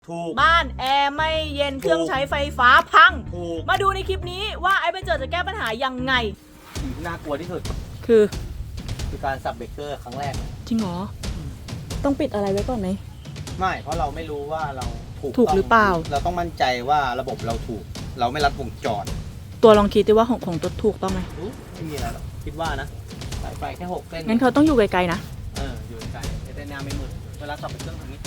ถูกบ้านแอร์ไม่เย็นเครื่องใช้ไฟฟ้าพังถูกมาดูในคลิปนี้ว่าไอ้เบนเจอร์จะแก้ปัญหายังไงสิ่งที่น่ากลัวที่สุดคือการสับเบรกเกอร์ครั้งแรกจริงเหรอต้องปิดอะไรไว้ก่อนไหมไม่เพราะเราไม่รู้ว่าเราถูกหรือเปล่าเราต้องมั่นใจว่าระบบเราถูกเราไม่รัดวงจรตัวลองคิดดิว่าของตัวถูกต้องไหมไม่มีอะไรหรอกคิดว่านะสายไฟแค่6เส้นงั้นเขาต้องอยู่ไกลๆนะอยู่ไกลแต่แนวไม่มืดเวลาสับเบรกเกอร์ทางนี้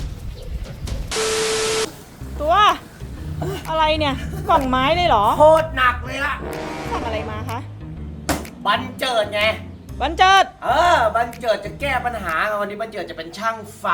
ตัวอะไรเนี่ยกล่องไม้เลยเหรอโคตรหนักเลยล่ะสั่งอะไรมาคะบันเจิดไงบันเจิดบันเจิดจะแก้ปัญหาวันนี้บันเจิดจะเป็นช่างไฟ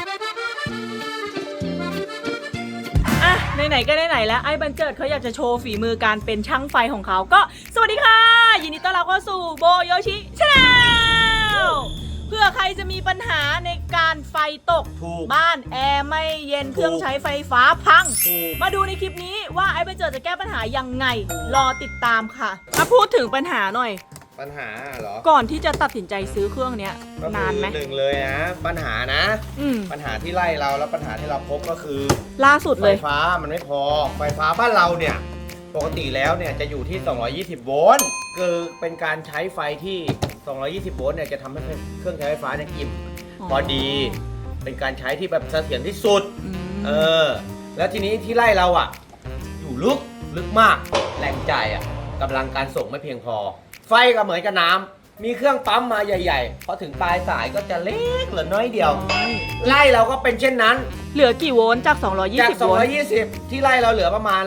อ่ะไหนๆก็ไหนๆแล้วไอ้บันเจิดเขาอยากจะโชว์ฝีมือการเป็นช่างไฟของเขาก็สวัสดีค่ะยินดีต้อนรับเข้าสู่โบโยชิชาแนลเพื่อใครจะมีปัญหาในการไฟตกบ้านแอร์ไม่เย็นเครื่องใช้ไฟฟ้าพังมาดูในคลิปนี้ว่าไอ้บันเจิดจะแก้ปัญหายังไงรอติดตามค่ะมาพูดถึงปัญหาหน่อยปัญหาเหรอก่อนที่จะตัดสินใจซื้อเครื่องเนี้ยนานไหมหนึ่งเลยนะปัญหานะปัญหาที่ไล่เราแล้วปัญหาที่เราพบก็คือล่าสุดเลยไฟฟ้ามันไม่พอไฟฟ้าบ้านเราเนี่ยปกติแล้วเนี่ยจะอยู่ที่220โวลต์คือเป็นการใช้ไฟที่220โวลต์เนี่ยจะทำให้เครื่องใช้ไฟฟ้าเนี่ยอิ่มพอดีเป็นการใช้ที่แบบเสถียรที่สุดแล้วทีนี้ที่ไล่เราอ่ะอยู่ลึกมากแรงจ่ายอ่ะกำลังการส่งไม่เพียงพอไฟก็เหมือนกับน้ำมีเครื่องปั๊มมาใหญ่ๆพอถึงปลายสายก็จะเล็กเหลือน้อยเดียวไล่เราก็เป็นเช่นนั้นเหลือกี่โวลต์จาก220โวลต์ที่ไล่เราเหลือประมาณ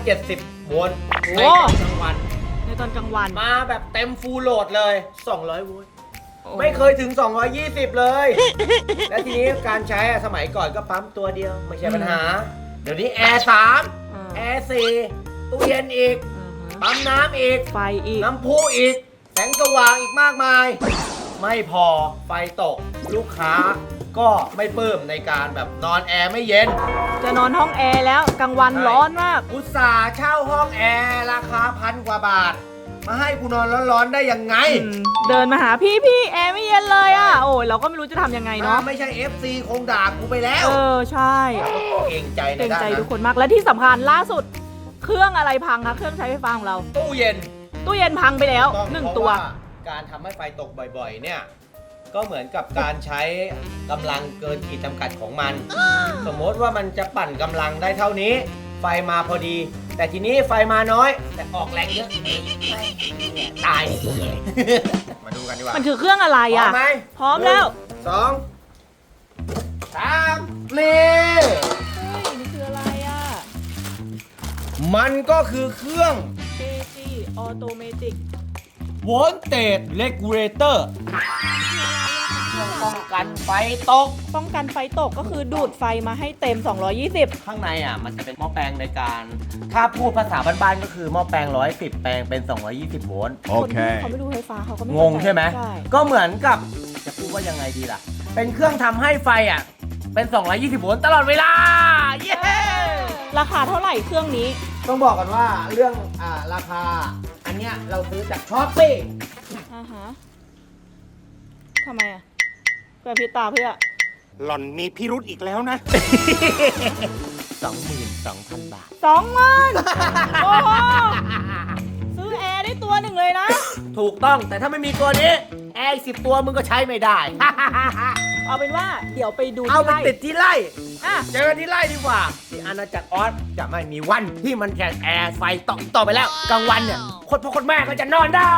170โวลต์ในตอนกลางวันมาแบบเต็มฟูลโหลดเลย200โวลต์ไม่เคยถึง220เลยและทีนี้การใช้สมัยก่อนก็ปั๊มตัวเดียวไม่ใช่ปัญหาเดี๋ยวนี้แอร์3แอร์4ตู้เย็นอีกปั๊มน้ำอีกไฟอีกน้ำพุอีกแสงสว่างอีกมากมายไม่พอไฟตกลูกค้าก็ไม่ปลื้มในการแบบนอนแอร์ไม่เย็นจะนอนห้องแอร์แล้วกลางวันร้อนมากอุตส่าห์เช่าห้องแอร์ราคา1,000 กว่าบาทมาให้กูนอนร้อนๆได้ยังไงเดินมาหาพี่แอร์ไม่เย็นเลยอ่ะโอ้ยเราก็ไม่รู้จะทำยังไงเนาะไม่ใช่ FC คงด่ากูไปแล้วใช่เกรงใจในด้านนั้นทุกคนมากและที่สำคัญล่าสุดเครื่องอะไรพังคะเครื่องใช้ไฟฟ้าของเราตู้เย็นพังไปแล้ว1ตัวการทำให้ไฟตกบ่อยๆเนี่ยก็เหมือนกับการใช้กำลังเกินขีดจำกัดของมันสมมติว่ามันจะปั่นกำลังได้เท่านี้ไฟมาพอดีแต่ทีนี้ไฟมาน้อยแต่ออกแรงเยอะตายมาดูกันดีกว่ามันคือเครื่องอะไรอ่ะพร้อมแล้ว 2 3นี่คืออะไรอ่ะมันก็คือเครื่อง AC Automatic Voltage Regulator ป้องกันไฟตกก็คือดูดไฟมาให้เต็ม220 ข้างในอ่ะมันจะเป็นหม้อแปลงในการถ้าพูดภาษาบ้านๆก็คือหม้อแปลง110แปลงเป็น220โวลต์โอเคเขาไม่รู้ไฟฟ้าเขาก็ไม่งงใช่ไหมก็เหมือนกับจะพูดว่ายังไงดีล่ะเป็นเครื่องทำให้ไฟอ่ะเป็น220โวลต์ตลอดเวลาเย้ราคาเท่าไหร่เครื่องนี้ต้องบอกกันว่าเรื่องราคาอันเนี้ยเราซื้อจากช้อปปี้ทำไมอ่ะเพื่อพิตาเพื่อหล่อนมีพิรุธอีกแล้วนะ 22,000 บาท 20,000โอ้โหซื้อแอร์ได้ตัวหนึ่งเลยนะถูกต้องแต่ถ้าไม่มีตัวนี้แอร์10ตัวมึงก็ใช้ไม่ได้เอาเป็นว่าเดี๋ยวไปดูเอาไปติดที่ไร่เจอกันที่ไร่ดีกว่าที่อาณาจักรออสจะไม่มีวันที่มันจะแอร์ไฟต่อไปแล้วกลางวันเนี่ยคนพ่อคนแม่ก็จะนอนได้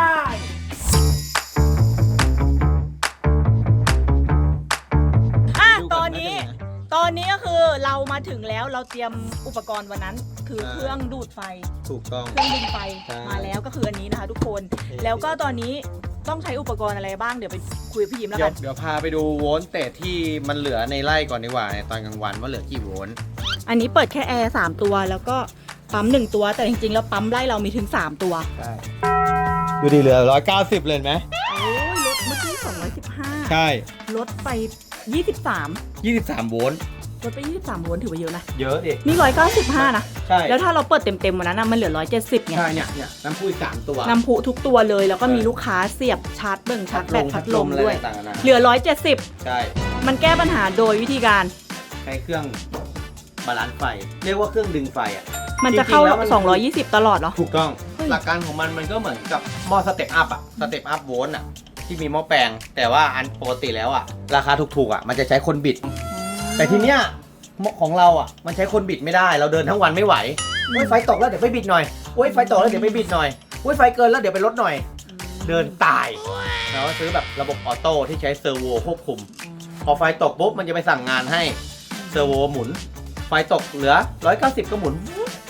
ตอนนี้ก็คือเรามาถึงแล้วเราเตรียมอุปกรณ์วันนั้นคือเครื่องดูดไฟถูกต้องเครื่องดึงไฟมาแล้วก็คืออันนี้นะคะทุกคนแล้วก็ตอนนี้ต้องใช้อุปกรณ์อะไรบ้างเดี๋ยวไปคุยกับพี่ยิ้มแล้วกันเดี๋ยวพาไปดูโวลต์เตจที่มันเหลือในไร่ก่อนดีกว่าในตอนกลางวันว่าเหลือกี่โวลต์อันนี้เปิดแค่แอร์3ตัวแล้วก็ปั๊ม1ตัวแต่จริงๆแล้วปั๊มไร่เรามีถึง3ตัวใช่ดูดีเหลือ190เลยไหมโอ้ยลดเมื่อกี้215 ใช่ลดไป23 โวลต์ลดไป23โวลต์ถือว่าเยอะนะเยอะดินี่195นะใช่แล้วถ้าเราเปิดเต็มๆวันนั้นมันเหลือ170ไงใช่เนี่ยน้ำพุอีก3ตัวน้ำพุทุกตัวเลยแล้วก็มีลูกค้าเสียบชาร์จชาร์จแบตพัดลมด้วยเหลือ170 ใช่มันแก้ปัญหาโดยวิธีการใช้เครื่องบาลานซ์ไฟ เรียกว่าเครื่องดึงไฟอ่ะมันจะเข้าจริงๆแล้วมัน 220 ตลอดเหรอถูกต้องเฮ้ยหลักการของมันก็เหมือนกับหม้อสเต็ปอัพอะสเต็ปอัพโวลต์อะที่มีหม้อแปลง แต่ว่าอันปกติแล้วอะราคาถูกๆอะมันจะใช้คนบิด แต่ทีเนี้ยของเราอะมันใช้คนบิดไม่ได้เราเดินทั้งวันไม่ไหวโอ้ยไฟตกแล้วเดี๋ยวไปบิดหน่อยโอ้ยไฟตกแล้วเดี๋ยวไปบิดหน่อยโอ้ยไฟเกินแล้วเดี๋ยวไปลดหน่อย เดินตายเราก็ซื้อแบบระบบออโต้ที่ใช้เซอร์โวควบคุม พอไฟตกปุ๊บมันจะไปสั่งงานให้เซอร์โวหมุน ไฟตกเหลือ 190 ก็หมุน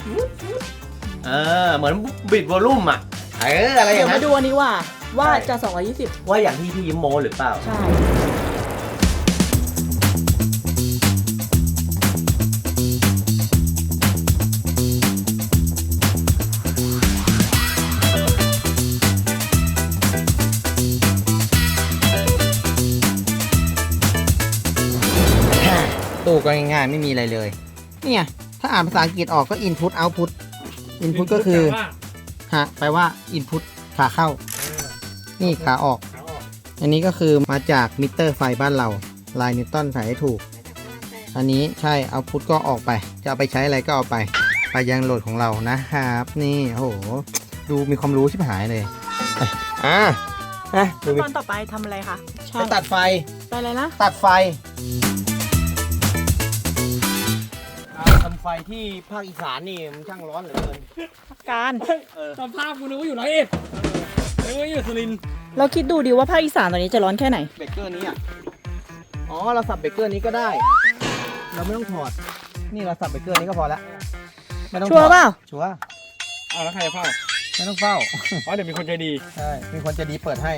เหมือนบิดวอลลุ่มอ่ะอะไรอเดี๋ยย่าว งมานั้นดูอันนี้ว่าใช่จะ 220 ว่าอย่างที่พี่ยิ้มโมหรือเปล่าใช่ตู้ก็ง่ายๆไม่มีอะไรเลย เนี่ย ถ้าอ่านภาษาอังกฤษออกก็ input output input ก็คือฮะแปลว่า input ขาเข้า นี่ขาออก อันนี้ก็คือมาจากมิเตอร์ไฟบ้านเรา ลายนิวตันใส่ให้ถูก อันนี้ใช่ output ก็ออกไป จะเอาไปใช้อะไรก็เอาไป ไปยังโหลดของเรานะครับ นี่ โอ้โห ดูมีความรู้ชิบหายเลยดูตอนต่อไปทำอะไรคะไปตัดไฟไปอะไรนะตัดไฟทำไฟที่ภาคอีสานนี่มันช่างร้อนเหลือเกินการสภาพกูนึกว่าอยู่ร้อยเอ็ดนึกว่าอยู่สุรินทร์เราคิดดูดิว่าภาคอีสานตอนนี้จะร้อนแค่ไหนเบเกอร์นี้อ่ะ อ๋อ เราสับเบเกอร์นี้ก็ได้ เราไม่ต้องถอด นี่เราสับเบเกอร์นี้ก็พอละไม่ต้องถอดชัวร์เปล่าชัวร์อ้าวแล้วใครจะเฝ้าไม่ต้องเฝ้าอ๋อเดี๋ยวมีคนใจดีใช่ มีคนจะดีเปิดให้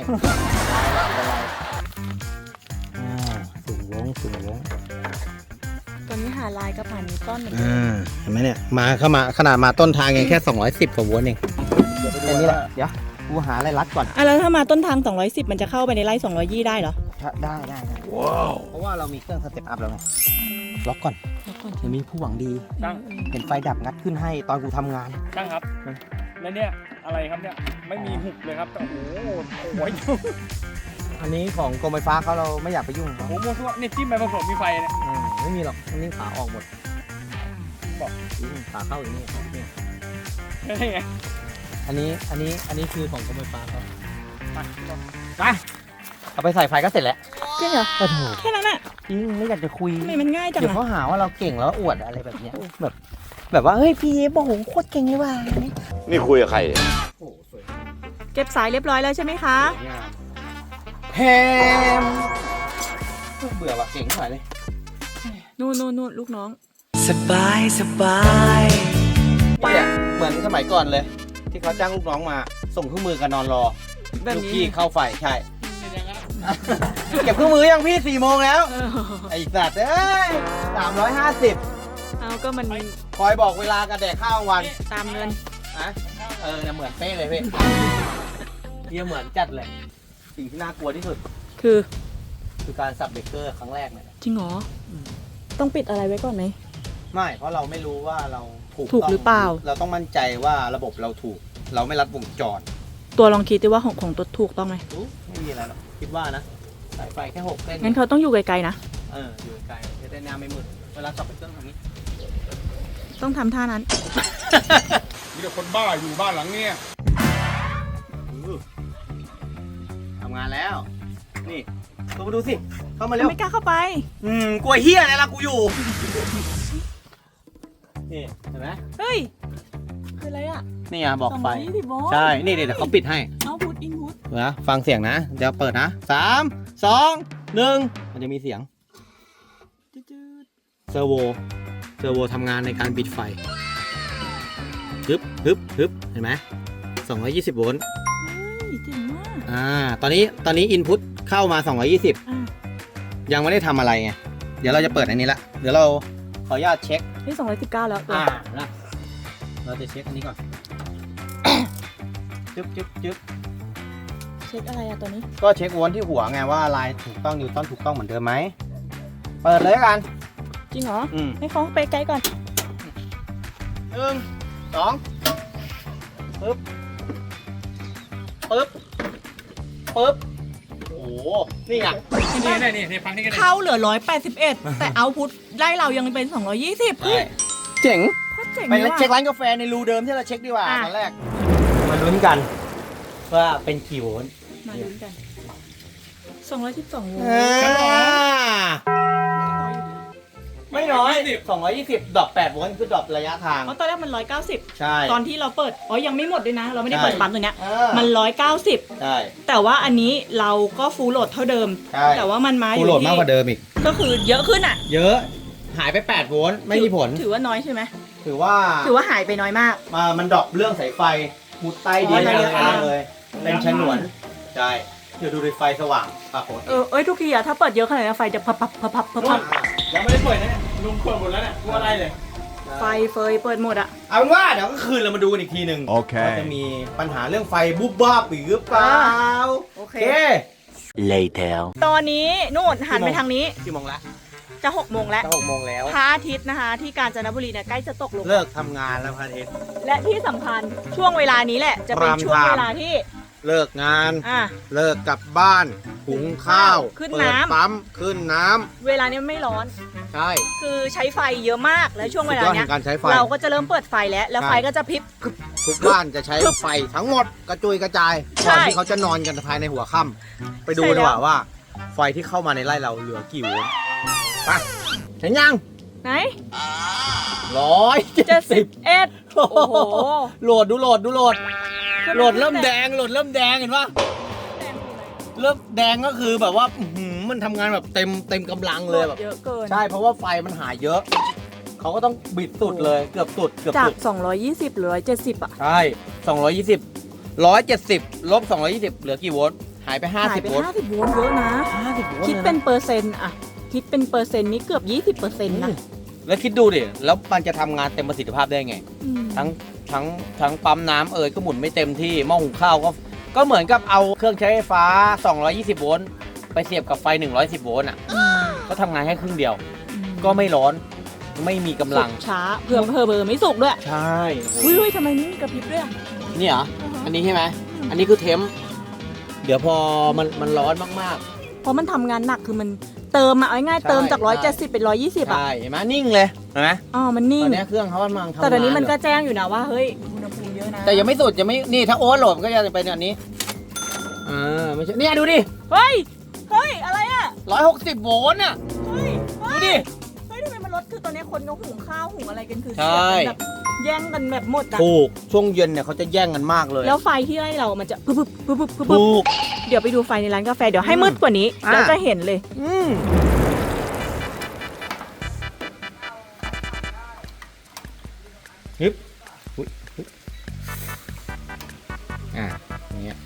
สูงวงสูงวงตอนนี้หาลายกับผ่านนิวตันเหมือนกันเห็นไหมเนี่ย เข้ามาขนาดมาต้นทางยังแค่210กว่าโวลต์เองแค่นี้แหละ เดี๋ยว กูหาอะไรรัดก่อนอ่ะแล้วถ้ามาต้นทาง 210 มันจะเข้าไปในไร่220ได้เหรอได้ว้าว เพราะว่าเรามีเครื่องสเต็ปอัพแล้วไง ล็อกก่อนแล้วก่อนเดี๋ยวมีผู้หวังดีตั้งเห็นไฟดับงัดขึ้นให้ตอนกูทำงานตั้งครับ แล้วเนี่ยอะไรครับเนี่ย ไม่มีหุบเลยครับแต่โอ้โหโอ้ยอันนี้ของกรมไฟฟ้าเขาเราไม่อยากไปยุ่งเขาโอ้โหมั่วซั่วนี่จิ้มไปผสมมีไฟเนี่ยไม่มีหรอกอันนี้ขาออกหมดบอกขาเข้าอย่างนี้เนี่ยใช่ไงอันนี้คือของกรมไฟฟ้าเขาไปเอาไปใส่ไฟก็เสร็จแล้วจริงเหรอโอ้โหแค่นั้นอะจริงไม่อยากจะคุยทำไมมันง่ายจังเดี๋ยวอะเขาหาว่าเราเก่งแล้วอวดอะไรแบบเนี้ยแบบว่าเฮ้ยพี่เอฟโอ้โหโคตรเก่งเลยว่ะนี่คุยกับใครเนี่ยเก็บสายเรียบร้อยแล้วใช่ไหมคะแฮมเบื่อว่ะเก่งเท่าไหร่เลยนู่นลูกน้องเนี่ยเหมือนสมัยก่อนเลย ที่เขาจ้างลูกน้องมาส่งเครื่องมือกันนอนรอแบบลูกนี้พี่เข้าไฟใช่ เก็บเครื่องมือยังพี่4 โมงแล้วเออไอ้สัตว์เอ้ย350 เอาก็มันคอยบอกเวลากันแดกข้าวกลางวันตามเงินนะเนี่ยเหมือนเป๊ะเลยพี่เฮียเหมือนจัดเลย สิ่งที่น่ากลัวที่สุดคือคือการสับเบรกเกอร์ครั้งแรกเนี่ยจริงเหรอต้องปิดอะไรไว้ก่อนไหมไม่ เพราะเราไม่รู้ว่าเราถูกถูกต้งหรือเปล่าเราต้องมั่นใจว่าระบบเราถูก เราไม่รัดวงจรตัวลองคิดดิว่าของตัวถูกต้องไหมไม่มีอะไรหรอกคิดว่านะสายไฟแค่6เส้นงั้นเขาต้องอยู่ไกลๆนะอยู่ไกลจะได้หน้าไม่มืดเวลาสับเบรกเกอร์ทำนี้ต้องทำท่านั้นมีแต่คนบ้าอยู่บ้านหลังเนี้ยทำงานแล้ว นี่เข้ามาดูสิ เข้ามาเร็วไม่กล้าเข้าไปกลัวเฮียอะไรล่ะกูอยู่ นี่เห็นไหมเฮ้ย คืออะไรอ่ะนี่อ่ะบอกไฟ 220โวลต์ใช่ นี่เดี๋ยวเขาปิดให้เอาพุทอินพุทเดี๋ยวนะฟังเสียงนะ เดี๋ยวเปิดนะ3 2 1มันจะมีเสียง เซอร์โวทำงานในการปิดไฟฮึบเห็นไหม220 โวลต์เฮ้ยเจ๋งมากตอนนี้อินพุตเข้ามา 220 อ่ะยังไม่ได้ทำอะไรไง เดี๋ยวเราจะเปิดอันนี้ละ เดี๋ยวเราขออนุญาตเช็คนี่219แล้วตัวนะเราจะเช็คอันนี้ก่อน จึ๊บเช็คอะไรอะตัวนี้ก็เช็คโวลต์ที่หัวไงว่าลายถูกต้องนิวตันถูกต้องเหมือนเดิมไหม เปิดเลยละกันจริงเหรออืมให้เขาไปไกลก่อน 1 2ปึ๊บ โอ้โห นี่ไงนี่ฟังนี่กันเข้าเหลือ 181 แต่เอาพุทไล่เรายังเป็น 220เฮ้ยเจ๋งโคตรเจ๋งไปเลยว่ะเช็คร้านกาแฟในรูเดิมที่เราเช็คดีกว่าอ่ะตอนแรก มาลุ้นกันว่าเป็นกี่โวลต์มาลุ้นกัน 212 โวลต์ไม่น้อย220ดรอป8โวลต์คือดรอประยะทางเพราะตอนแรกมัน 190 ใช่ตอนที่เราเปิด อ๋อ ยังไม่หมดด้วยนะ เราไม่ได้ใช่เปิดปั๊มตัวเนี้ย มัน 190 ใช่แต่ว่าอันนี้เราก็ฟูลโหลดเท่าเดิมใช่แต่ว่ามันมาอกูยู่โหลดที่มากกว่าเดิมอีกก็คือเยอะขึ้นอ่ะเยอะ หายไป8โวลต์ไม่มีผลถือว่าน้อยใช่ไหมถือว่าถือว่าหายไปน้อยมากมันดรอปเรื่องสายไฟมุดใต้ดินอ๋ออะไรระยะทางเลย เป็นฉนวน ใช่ เดี๋ยวดูดิไฟสว่างปรากฏเอ้ยทุกทีอะถ้าเปิดเยอะขนาดนี้ไฟจะพับพับยังไม่ได้เปิดนะเนี่ยลุงเปิดหมดแล้วเนี่ยกูอะไรเลยไฟเฟยเปิดหมดอะเอาเป็นว่าเดี๋ยวก็คืนเรามาดูกันอีกทีหนึ่งโอเคว่าจะมีปัญหาเรื่องไฟบุบบ้าบหรือเปล่าโอเค Later. ตอนนี้นู่นหันไปทางนี้กี่โมงละจะ6 โมงแล้วจะ6โมงแล้วพระอาทิตย์นะคะ ที่กาญจนบุรีเนี่ยใกล้จะตกลงเลิกทำงานแล้วพระอาทิตย์และที่สำคัญช่วงเวลานี้แหละ จะเป็น Prime ช่วง time เวลาที่เลิกงานอ่ะเลิกกลับบ้าน หุงข้าวขึ้นเปิดน้ำปั๊ม ขึ้นน้ำเวลานี้ไม่ร้อนใช่คือใช้ไฟเยอะมากและช่วงเวลาสุดยอดเนี้แห่งการใช้ไฟเราก็จะเริ่มเปิดไฟแล้วใช่ไฟก็จะพริบทุกบ้านจะใช้ไฟทั้งหมดกระจุยกระจายใช่ก่อนที่เขาจะนอนกันภายในหัวค่ำไปดูใช่ดีกว่าแล้วว่า ไฟที่เข้ามาในไร่เราเหลือกี่โวลต์ไปเห็นยังไหน 170 โอ้โหโหลดดูโหลดโหลดเริ่มแดงเห็นปะเริ่มแดงก็คือแบบว่าอื้อหือมันทำงานแบบเต็มกำลังเลยแบบเยอะเกินใช่เพราะว่าไฟมันหายเยอะ เขาก็ต้องบิดสุดเลยเกือบสุดจาก 220หรือ170อ่ะใช่170ลบ220เหลือกี่โวลต์หายไปหายไป 50โวลต์ 50 โวลต์เยอะนะ 50โวลต์คิดเป็นเปอร์เซ็นต์อะคิดเป็นเปอร์เซ็นต์นี่เกือบ 20%นะแล้วคิดดูดิแล้วมันจะทำงานเต็มประสิทธิภาพได้ไงอืมทั้งปั๊มน้ำก็หมุนไม่เต็มที่หม้อหุงข้าวก็เหมือนกับเอาเครื่องใช้ไฟฟ้า220โวลต์ไปเสียบกับไฟ110โวลต์อ่ะก็ทำงานแค่ครึ่งเดียว ก็ไม่ร้อนไม่มีกำลังสุกช้าเผื่อเบอร์ไม่สุกด้วยใช่อุ้ยทำไมนี่มีกระพริบด้วยอะนี่เหรออันนี้ใช่ไหมอันนี้คือเทมป์เดี๋ยวพอมันร้อนมากเพราะมันทำงานหนักคือมันเติมอะเอาง่ายใช่ๆเติมจาก170เป็น120 ๆอะใช่เห็นไหมนิ่งเลยเห็นไหมอ๋อมันนิ่ตงอนนี้เครื่องเขากำลังทำงานแต่ตอนนี้มันก็อยู่แจ้งอยู่นะว่าเฮ้ยอุณหภูมิเยอะนะแต่ยังไม่สุดยังไม่นี่ถ้าโอเวอร์โหลดมันก็จะเป็นอันนี้ไม่ใช่เนี่ยดูดิเฮ้ยอะไรอะ 160โวลต์อ่ะเฮ้ยดูดิเฮ้ยทำไมมันลดคือตอนนี้คนก็หุงข้าวหุงอะไรกันคือใช่เสียบกันแบบแย่งกันแบบหมดอะถูกช่วงเย็นเนี่ยเขาจะแย่งกันมากเลยแล้วไฟที่ไร่เรามันจะปึ๊บถูกเดี๋ยวไปดูไฟในร้านกาแฟเดี๋ยวให้มืดกว่านี้อ่ะแล้วจะเห็นเลยฮึบอุ๊ยฮึบอย่างเงี้ย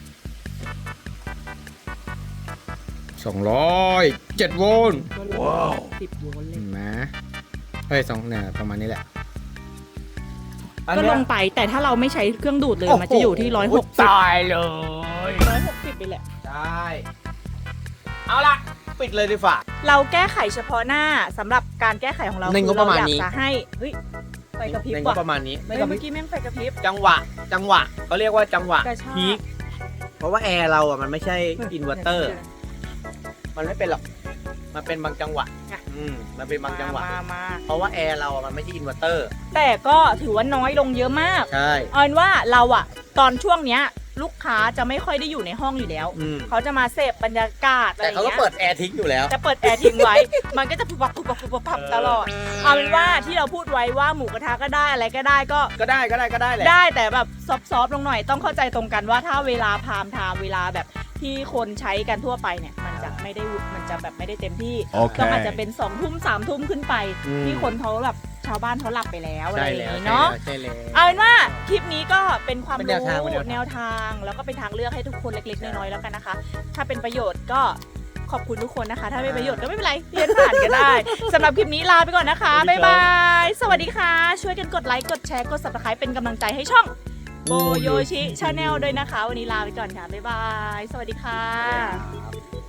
207โวลต์ 10 โวลต์เลยเห็นไหมเฮ้ยเนี่ยประมาณนี้แหละก็ลงไปแต่ถ้าเราไม่ใช้เครื่องดูดเลยมันจะอยู่ที่160 ตายเลย 160ไปแหละใช่เอาละปิดเลยดีฝ่าเราแก้ไขเฉพาะหน้าสำหรับการแก้ไขของเราในงบประมาณนี้เอยากจะให้เฮ้ยไฟกระพริบในงว่ะบประมาณนี้เฮ้ยเมื่อกี้แม่งไฟกระพริบจังหวะเขาเรียกว่าจังหวะกระชากพีคเพราะว่าแอร์เราอ่ะมันไม่ใช่อินเวอร์เตอร์ มันไม่เป็นหรอก มันเป็นบางจังหวะมันเป็นบางจังหวะมาเพราะว่าแอร์เราอ่ะมันไม่ใช่อินเวอร์เตอร์แต่ก็ถือว่าน้อยลงเยอะมากใช่เอาเป็นว่าเราอะตอนช่วงเนี้ยลูกค้าจะไม่ค่อยได้อยู่ในห้องอยู่แล้ว เขาจะมาเสพบรรยากาศอะไรแต่อย่างเขาก็เงี้ยเปิดแอร์ทิ้งอยู่แล้วจะเปิดแอร์ทิ้งไว้ มันก็จะปุบปับตลอด เอาเป็นว่าที่เราพูดไว้ว่าหมูกระทะก็ได้อะไรก็ได้ก็ก็ได้แหละได้แต่แบบซอฟต์ๆลงหน่อยต้องเข้าใจตรงกันว่าถ้าเวลาพามไทม์เวลาแบบที่คนใช้กันทั่วไปเนี่ยมันจะไม่ได้เต็มที่โอเคก็อาจจะเป็น2 ทุ่ม3 ทุ่มขึ้นไป ที่คนเขาแบบชาวบ้านเขาหลับไปแล้วอะไรใช่อย่างแล้วนี้เนาะใช่แล้วเอาเป็นว่าคลิปนี้ก็เป็นความเป็นแนรู้วทางเป็นแนวทางแนวทางแล้วก็เป็นทางเลือกให้ทุกคนเล็กๆน้อยๆแล้วกันนะคะ ถ้าเป็นประโยชน์ก็ขอบคุณทุกคนนะคะ ถ้าไม่ประโยชน์ก็ไม่เป็นไรเรียนผ่านก็ได้ สำหรับคลิปนี้ลาไปก่อนนะคะ บ๊ายบาย สวัสดีค่ะ ช่วยกันกดไลค์กดแชร์กด subscribe เป็นกำลังใจให้ช่องโบโยชิชาแนลด้วยนะคะ วันนี้ลาไปก่อนค่ะบ๊ายบาย สวัสดีค่ะ